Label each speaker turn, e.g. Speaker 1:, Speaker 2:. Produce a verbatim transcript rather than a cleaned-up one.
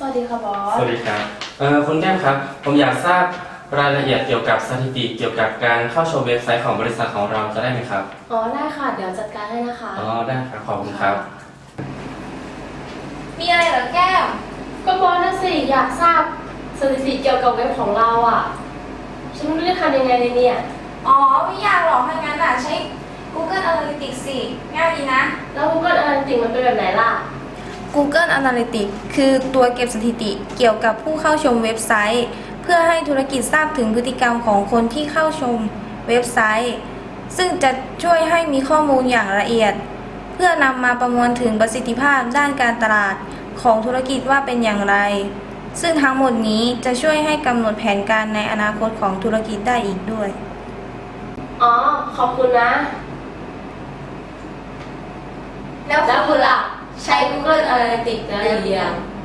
Speaker 1: วัสดีค่ะบอส
Speaker 2: สวัสดีครับเอ่อคุณแก้มครับผมอยากทราบรายละเอียดเกี่ยวกับสถิติเกี่ยวกับการเข้าชมเว็บไซต์ของบริษัทของเราจะได้ไหมครับ
Speaker 1: อ๋อได้ค่ะเดี๋ยวจัดการให้นะคะ
Speaker 2: อ๋อได้ครับขอบคุณครับ
Speaker 3: มีอะไรเหรอแก้ว
Speaker 1: ก็บอสน่ะสิอยากทราบสถิติเกี่ยวกับเว็บของเราอ่ะฉันไม่รู้จะทำยังไงเลยเนี่ย
Speaker 3: อ๋อไม่ยากหรอกถ้างั้นอ่ะใช้ Google Analytics สิง่ายดีนะ
Speaker 1: แล้ว Google Analytics มันเป็นแบบไหนล่ะ
Speaker 3: Google Analytics คือตัวเก็บสถิติเกี่ยวกับผู้เข้าชมเว็บไซต์เพื่อให้ธุรกิจทราบถึงพฤติกรรมของคนที่เข้าชมเว็บไซต์ซึ่งจะช่วยให้มีข้อมูลอย่างละเอียดเพื่อนำมาประมวลถึงประสิทธิภาพด้านการตลาดของธุรกิจว่าเป็นอย่างไรซึ่งทั้งหมดนี้จะช่วยให้กำหนดแผนการในอนาคตของธุรกิจได้อีกด้วย
Speaker 1: อ๋อขอบคุณนะ
Speaker 3: แล้ว
Speaker 1: แล้วคุณล่ะใช้ Google Analytics แล้วหรือยัง